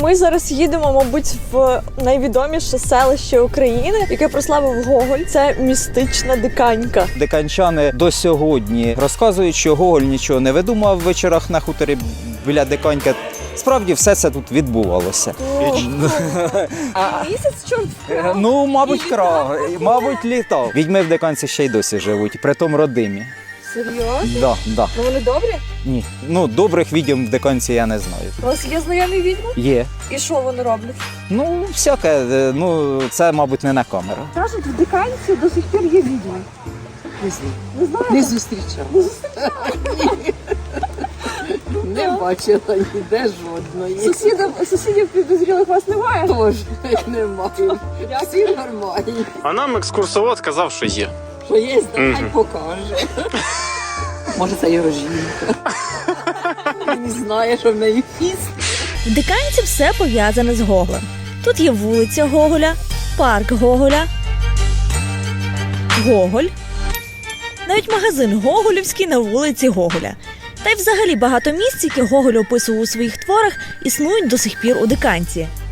Ми зараз їдемо, мабуть, в найвідоміше селище України, яке прославив Гоголь. Це містична Диканька. Диканчани до сьогодні розказують, що Гоголь нічого не видумав в вечорах на хуторі біля Диканьки. Справді все це тут відбувалося. Місяць чорт вкрав. Ну, мабуть, мабуть, літав. Відьми в Диканці ще й досі живуть, притом родимі. Серйозно? Да. Ну вони добрі? Ні. Ну, добрих відьом в Диканці я не знаю. У вас є знайомі відьми? Є. І що вони роблять? Ну, всяке. Ну, це, мабуть, не на камеру. Кажуть, в Диканці до сих пір є відьми. Не знаю. Не знаєте? Не зустрічала. Не бачила ніде жодної. Сусідів підозрілих вас немає? Тож немає. Всі нормальні. А нам екскурсовод сказав, що є. Що є, хай покаже. Може, це його жінка. Він знає, що в неї фіст. В Диканці все пов'язане з Гоголем. Тут є вулиця Гоголя, парк Гоголя, Гоголь, навіть магазин Гоголівський на вулиці Гоголя. Та й взагалі багато місць, які Гоголь описував у своїх творах, існують до сих пір у Диканці.